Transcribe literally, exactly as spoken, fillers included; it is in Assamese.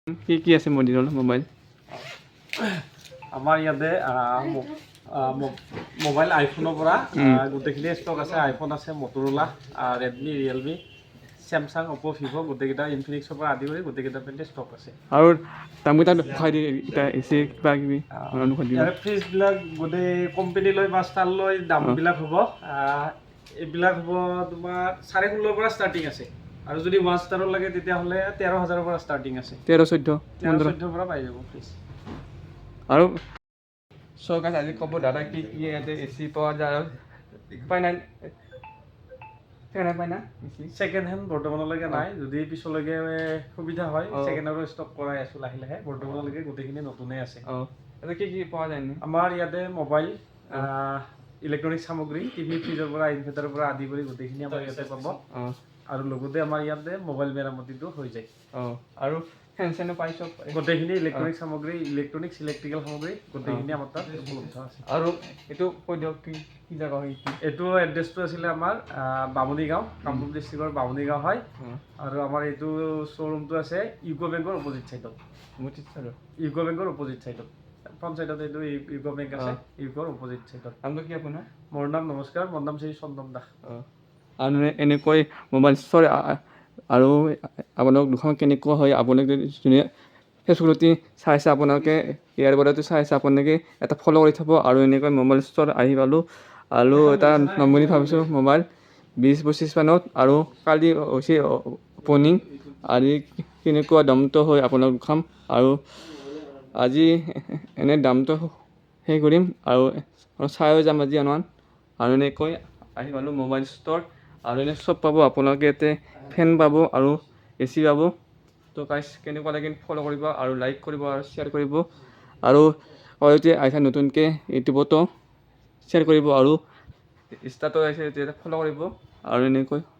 কি কি আছে মডিলৰ মোবাইল আমাৰ ইয়াতে মোবাইল আইফোনৰ পৰা গোটেইখিনি ষ্টক আছে আইফোন আছে Motorola Redmi Realme Samsung Oppo' Vivo' গোটেইকেইটা ইনফিনিক্সৰ পৰা আদি কৰি গোটেইকেইটা পেণ্টে ষ্টক আছে আৰু দামকেইটা খুৱাই দিয়ে এতিয়া এচি কিবা কিবি ইয়াৰে ফ্ৰিজবিলাক গোটেই কোম্পানী লৈ বা ষ্টাৰ লৈ দামবিলাক হ'ব এইবিলাক হ'ব তোমাৰ চাৰে ষোল্লৰ পৰা ষ্টাৰ্টিং আছে আৰু যদি ওৱান ষ্টাৰৰ লাগে তেতিয়াহ'লে তেৰ হাজাৰৰ পৰা ষ্টাৰ্টিং আছে তেৰ চৈধ্য তেৰ চৈধ্যৰ পৰা পাই যাব ফ্ৰিজ আৰু চৰকাৰে আজি ক'ব দাদা কি কি ইয়াতে এ চি পোৱা যায় আৰু পাই নাই পাই না ছেকেণ্ড হেণ্ড বৰ্তমানলৈকে নাই যদি পিছলৈকে সুবিধা হয় ছেকেণ্ড হেণ্ডৰ ষ্টক কৰাই আছোঁ লাহে লাহে বৰ্তমানলৈকে গোটেইখিনি নতুনেই আছে অঁ ইয়াতে কি কি পোৱা যায় আমাৰ ইয়াতে মোবাইল ইলেক্ট্ৰনিক সামগ্ৰী টিভি ফ্ৰিজৰ পৰা ইনভাৰ্টাৰৰ পৰা আদি কৰি গোটেইখিনি আমাৰ ইয়াতে পাব অঁ আৰু লগতে আমাৰ ইয়াতে মোবাইল মেৰামতিটো হৈ যায় অঁ আৰু ফেন চেনো পাই চব গোটেইখিনি ইলেক্ট্ৰনিক সামগ্ৰী ইলেক্ট্ৰনিক্স ইলেক্ট্ৰিকেল সামগ্ৰী গোটেইখিনি আমাৰ তাত উপলব্ধ আছে আৰু এইটো কৈ দিয়ক কি কি জেগা হয় এইটো এড্ৰেছটো আছিলে আমাৰ বামুণী গাঁও কামৰূপ ডিষ্ট্ৰিক্টৰ বামুণী গাঁও হয় আৰু আমাৰ এইটো শ্ব'ৰুমটো আছে ইউকো বেংকৰ অপজিট ছাইডত অপজিট ছাইডত ইউকো বেংকৰ অপজিট ছাইডত ফ্ৰণ্ট ছাইডত এইটো ইউকো বেংক আছে ইউকোৰ অপজিট ছাইডত নামটো কি আপোনাৰ মোৰ নাম নমস্কাৰ মোৰ নাম শ্ৰী চন্দন দাস অঁ আৰু এনেকৈ মোবাইল ষ্ট'ৰ আৰু আপোনালোক দুখন কেনেকুৱা হয় আপোনালোকে যোনে ফেচবুকতে চাইছে আপোনালোকে ইয়াৰ পৰাতো চাইছে আপোনালোকে এটা ফ'ল' কৰি থ'ব আৰু এনেকৈ মোবাইল ষ্ট'ৰ আহি পালোঁ আৰু এটা ল'ম বুলি ভাবিছোঁ মোবাইল বিছ পঁচিছ মানত আৰু কালি হৈছে অপেনিং আজি কেনেকুৱা দামটো হয় আপোনালোক খাম আৰু আজি এনে দামটো সেই কৰিম আৰু চাইও যাম আজি আনমান আৰু এনেকৈ আহি পালোঁ মোবাইল ষ্ট'ৰ আৰু এনে চব পাব আপোনালোকে ইয়াতে ফেন পাব আৰু এ চি পাব তো গাইজ কেনেকুৱা লাগে ফ'ল' কৰিব আৰু লাইক কৰিব আৰু শ্বেয়াৰ কৰিব আৰু হয়তো আহিছে নতুনকৈ ইউটিউবতো শ্বেয়াৰ কৰিব আৰু ইনষ্টাতো আহিছে তেতিয়া ফ'ল' কৰিব আৰু এনেকৈ